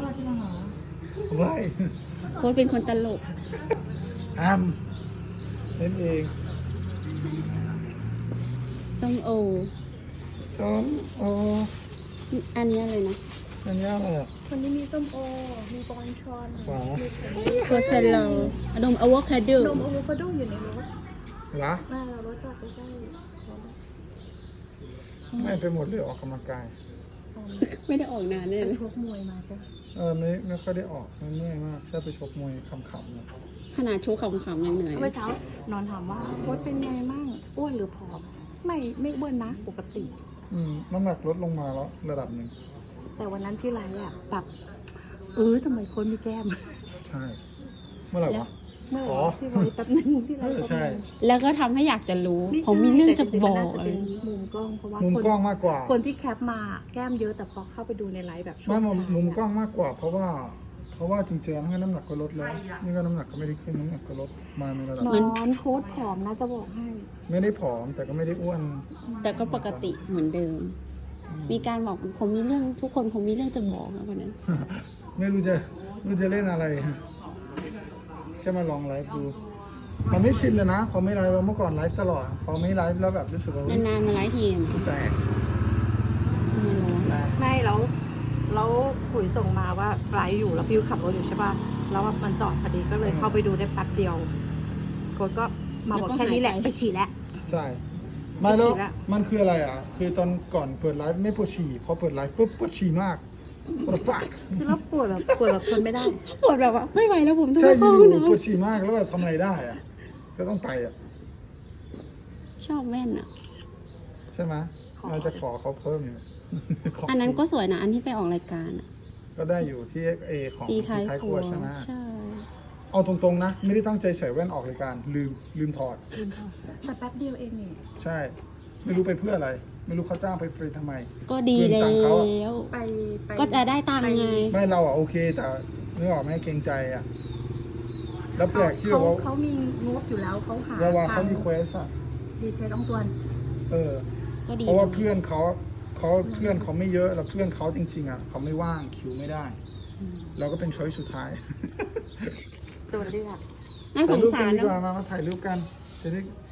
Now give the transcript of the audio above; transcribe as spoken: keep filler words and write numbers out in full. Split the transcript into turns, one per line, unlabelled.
ที่มาหา
ไว้
โค้ชเป็นคนตลก
อ้ามเล่นเอง
ส้มโอ
ส้มโอ
อันนี้อะไรนะ
อันนี้อะไรอ่ะ
คนนี้มีส้มโอ มีบอลชอน
ขวา
มีไข่
โคเซลโลนมอะโวคาโด
นมอะโวคาโดอยู่ในรถ
เหรอ
แม่เรารถจอดใกล้ๆ
ไม่ไปหมดเลยออกกำลังกาย
ไม่ได้ออกนานเลย
ไปชกมวยมาใช่ไหม
เออไม่ไม่ค่อยได้ออกมันเมื่อยมากแค่ไปชกมวยขำๆนะ
ขนาดชูขำๆยังเหนื่อย
เมื่อเช้านอนถามว่าโค้ชเป็นไงมั่งอ้วนหรือผอม ไม่ไม่อ้วนนะ ปกติ
อืมน้ำหนักลดลงมาแล้วระดับหนึ่ง
แต่วันนั้นที่ไลฟ์อะแบบเออทำไมโค้ชมีแก้ม
ใช่ เมื่อไหร่วะ
เมื่อไห
อ๋
ร่
อ
ที่ไลฟ์แป๊บนึงที่ไลฟ์
เออ
แป๊บ
ใช่
นึง
แล้วก็ทำให้อยากจะรู้
ไใช่
ผมมีเรื่องจะ
แต่ริ
บ
ๆ
อ
มัน
ก
น่าจะเป็นมุมกล้องเพราะว่า
มุม
คน
กล้องมากกว่า
คนที่แคปมาแก้มเยอะแต่พอเข้าไปดูในไลฟ์แบบช่ว
ไม่
ง
มุม
ท้าย
มุม
อะ
กล้องมากกว่า เพราะว่า เพราะว่าจริงๆแล้วน้ำหนักก็ลดแล้ว นี่ก็น้ำหนักก็ไม่ได้ขึ้นน้ำหนักก็ลดมาในระดับ
นอนโค้ชผอมนะจะบอกให้
ไม่ได้ผอมแต่ก็ไม่ได้อ้วน
แต่ก็ปกติเหมือนเดิม
อืม
มีการบอกผมมีเรื่องทุกคนผมมีเรื่องจะบอกนะวันนั้น
ไม่รู้จะไม่รู้จะเล่นอะไรแค่มาลองไลฟ์ดูมันไม่ชินเลยนะพอไม่ไลฟ์เราเมื่อก่อนไลฟ์ตลอดพอไม่ไลฟ์แล้วแบบรู้สึกว่าอุ๊ย
นานๆมาไลฟ์ทีม
แตก
ไม่รู้
แตก
ไม่แล้วแล้วขุยส่งมาว่าไลฟ์อยู่แล้วพิวขับรถอยู่ใช่ป่ะแล้วมันจอดพอดีก็เลยเข้าไปดูได้แป๊บเดียวโค้ชก็มาบอกแค่นี้แหละไปฉี่แล้ว
ใช่ไม่แล้ว
ปวดฉี่ละ
มันคืออะไรอ่ะ คือตอนก่อนเปิดไลฟ์ไม่ปวดฉี่พอเปิดไลฟ์ปุ๊บปวดฉี่มากปวดฟัก
คือแล้วปวดแบบปวดแบบทนไม่ได้
ปวดแบบว่าไม่ไหวแล้วผมต้อง
ใช่
ไป
อ
เข้าห้อง
ยู่
น้
ๆปวดฉี่มากแล้วแบบทำอะไรได้อ่ะก็ต้องไปอ่ะ
ำชอบแว่นอ่ะ
ใช่ไหม
ขอ
เราจะขอเขาเพิ่มอยู่ ข
อันนั้นก็สวยนะ อันที่ไปออกรายการอ่ะ
ก็ได้อยู่ที่เอของ
ตีท้าย
ค
ค
รั
รั
ว
ว
ใช่ไหม
ใช่
เอาตรงๆนะ ไม่ได้ตั้งใจใส่แว่นออกรายการ ลืมลืมถอด
แต่แป๊บเดียวเองนี่
ใช่ ไม่รู้ไปเพื่ออะไร ไม่รู้เขาจ้างไปไปทำไม
ก็ดี
เพื่อน
แล้
ตังค์เขาอะ
ว
ไปไป
ก็จะได้ตังค์ไง
ไม่เราอ่ะโอเค แต่นึกออกไหมเกรงใจอ่ะ แล้วแปล
เขา
กที่
เขา
ว่า
เขามีงบอยู่แล้วเขาหา
เวลาเขามีเควสอ่ะ
ดีเพจต้องตัวน
เออ
ก็ดี
เพราะว่าเพื่อนเขาเขาเพื่อนเขาไม่เยอะแล้วเพื่อนเขาจริงๆอ่ะเขาไม่ว่างคิวไม่ได้
อืม
เราก็เป็นช้อยสุดท้าย
ตัวเรียก
น่าส
ถ่าย
ง
รูป
สา
กั
ร
นดี
เน
กว่า
อะ
มามาถ่ายรูปกันจะได้